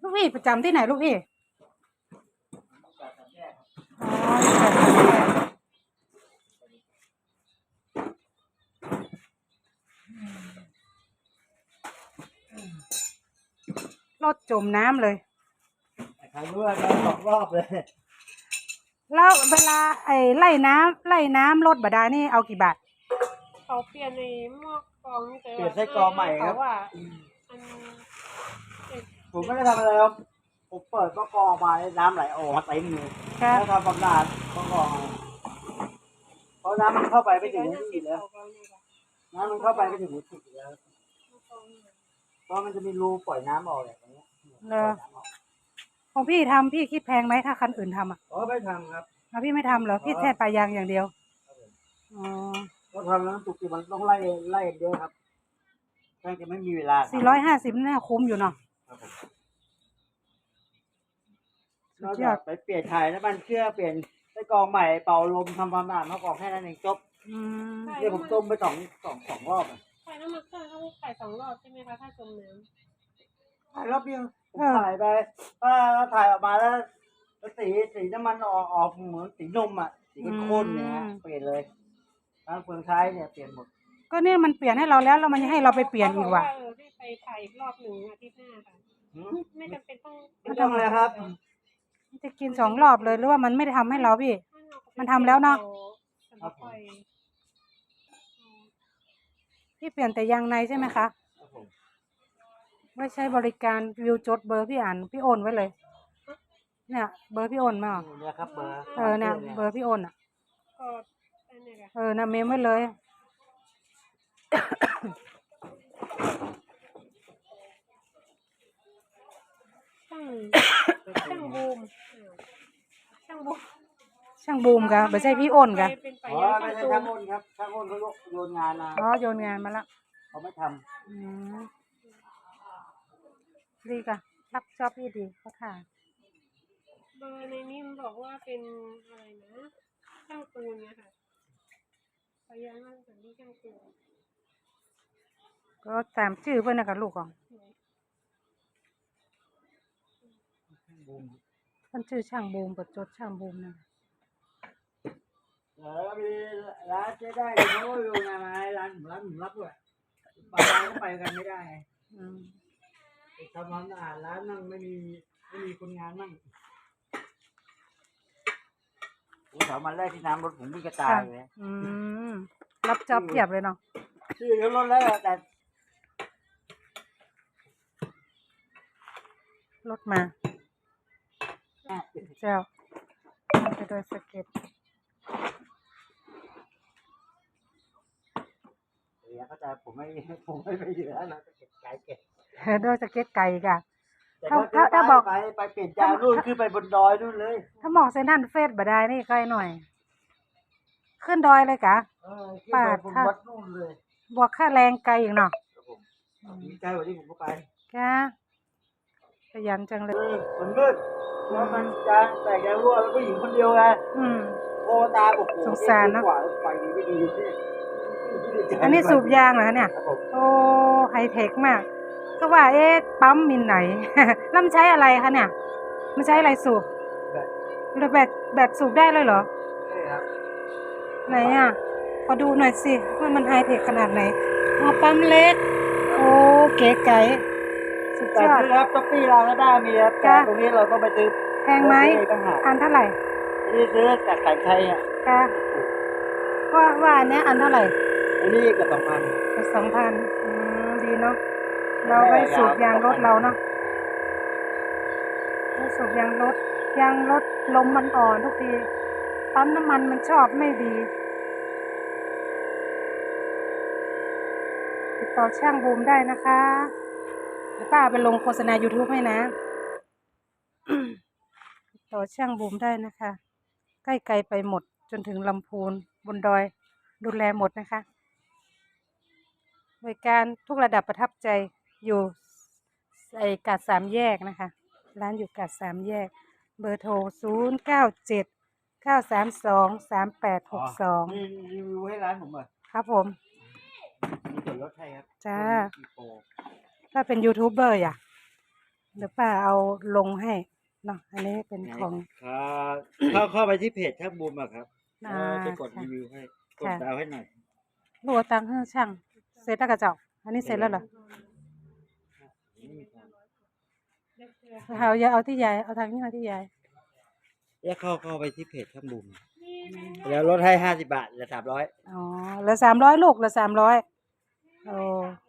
ลูกพี่ประจำที่ไหนลูกพี่อ๋อรถจมน้ำเลยใครรู้ว่าโดน2 รอบเลยแล้วเวลาไล่น้ำรถบาดาลนี่เอากี่บาทเขาเปลี่ยนในหม้อกรองนี่เปลี่ยนไส้กรองใหม่ครับว่าผมไม่ได้ทำอะไรครับผมเปิดก็กรองมาน้ำไหลออกมาเต็มเลยแล้วทำความสะอาดก็กรองเพราะน้ำมันเข้าไปไม่ถึงหัวฉีดแล้วน้ำมันเข้าไปไม่ถึงหัวฉีดแล้วเพราะมันจะมีรูปล่อยน้ำออกแบบนี้ของพี่ทำพี่คิดแพงไหมถ้าคันอื่นทำอ่ะอ๋อไม่ทำครับพี่ไม่ทำเหรอพี่แค่ปลายางอย่างเดียวอ๋อก็ทำแล้วตุกติมันต้องไล่เยอะครับแค่จะไม่มีเวลา 450น่าคุ้มอยู่เนาะนอกจากไปเปลี่ยนถ่ายน้ำมันเครื่องเปลี่ยนไส้กรองใหม่เป่าลมทำความสะอาดเขากรองแค่นั้นเองจบเนี่ยผมต้มไปสองรอบถ่ายน้ำมันเครื่องเขาถ่าย2 รอบใช่ไหมคะถ้าจมน้ำถ่ายรอบเดียวถ่ายไปถ้าถ่ายออกมาแล้วสีน้ำมันออกเหมือนสีนมอ่ะสีข้นๆเนี่ยเปลี่ยนเลยทั้งเฟืองท้ายเนี่ยเปลี่ยนหมดก็เนี่ยมันเปลี่ยนให้เราแล้วมันยังให้เราไปเปลี่ยนอีกว่ะให้ไปถ่ายอีกรอบหนึ่งอาทิตย์หน้าค่ะไม่จำเป็นต้องไม่ต้องเลยครับจะกิน2 รอบเลยหรือว่ามันไม่ได้ทำให้เราพี่มันทำแล้วเนาะพี่เปลี่ยนแต่ยางในใช่ไหมคะไม่ใช่บริการวิวจดเบอร์พี่อ่านพี่โอนไว้เลยเนี่ยเบอร์พี่โอนมาเนี่ยครับเบอร์เนี่ยเบอร์พี่โอนอ่ะนะเมมไว้เลยช่างบูมกะไม่ใช่พี่โอนกะอ๋อไม่ใช่ช่างโอนครับช่างโอนเขาโยนงานมาโยนงานมาแล้วเขาไม่ทำดีกะรับชอบพี่ดีเขาถ่ายเบอร์ในนี้มันบอกว่าเป็นอะไรนะช่างปูนเนี่ยค่ะพยานว่าเป็นที่ช่างปูนก็ตามชื่อเพื่อนนะกับลูกของมันชื่อช่างบูมเปิดจดช่างบูมนะมีร้านเจ๊ได้เขาอยู่งานอะไรร้านผมรับด้วยไปร้านก็ไปกันไม่ได้ทำความสะอาดร้านนั่งไม่มีคนงานนั่งผมถามมาแรกที่น้ำรถผมมีกระจายเลยรับจ็อบเพียบเลยเนาะชื่อเขาลดแล้วแต่รถมาเจ้าไปโดยสเก็ตเขาจะผมไม่ไปเหลือนะสเก็ตไก่เก็บโดยสเก็ตไก่กะถ้าบอกไปเปลี่ยนจานนู่นคือไปบนดอยนู่นเลยถ้าหมอกเซนทันเฟสบ่ได้นี่ใกล้หน่อยขึ้นดอยเลยกะป่าถ้านู่นเลยบวกค่าแรงไกลอีกเนาะใกล้กว่าที่ผมก็ไปกะขยันจังเลยมันมืดแล้วมันจะแต่แกรั่วแล้วก็หญิงคนเดียวไงโอตาบอกสงสารนะไปดีไม่ดีอันนี้สูบยางเหรอเนี่ยโอ้ไฮเทคมากก็ว่าปั๊มมินไหนแล้วมันใช้อะไรคะเนี่ยมันใช้อะไรสูบแบตสูบได้เลยเหรอไหนอ่ะขอดูหน่อยสิว่ามันไฮเทคขนาดไหนปั๊มเล็กโอ้เก๋ไก๋สุดยอดครับต๊อปปี้เราก็ได้มีครับแต่ตรงนี้เราต้องไปซื้อแพงไหมอันเท่าไหร่นี่ซื้อจากไก่ไทยอ่ะว่าอันนี้อันเท่าไหร่อันนี้กับ 2,000ดีเนาะเราไปสูบยางรถเราเนาะสูบยางรถลมมันอ่อนทุกทีปั๊มน้ำมันมันชอบไม่ดีติดต่อช่างบูมได้นะคะเดี๋ยวป้าไปลงโฆษณา YouTube ให้นะติดต่อช่างบูมได้นะคะใกล้ไกลไปหมดจนถึงลำพูนบนดอยดูแลหมดนะคะบริการทุกระดับประทับใจอยู่กาด3 แยกนะคะร้านอยู่กาด3 แยกเบอร์โทร0979323862 นี่รีวิวให้ร้านผมเหรอครับผมมีส่วนลดให้ครับจ้าถ้าเป็นยูทูบเบอร์อ่ะเดี๋ยวป้าเอาลงให้เนาะอันนี้เป็นของเข้าไปที่เพจช่างบูมอะครับอ่าจะกดรีวิวให้กดดาวให้หน่อยลูกเอาตังค์ให้ช่างเสร็จแล้วกระเจ้าอันนี้เสร็จแล้วเหรอเอาอย่าเอาที่ยายเอาทางนี้เอาที่ยายแล้วเข้าไปที่เพจช่างบูมแล้วลดให้50 บาทเหลือ300 อ๋อเหลือ300ลูกเหลือ300โอ้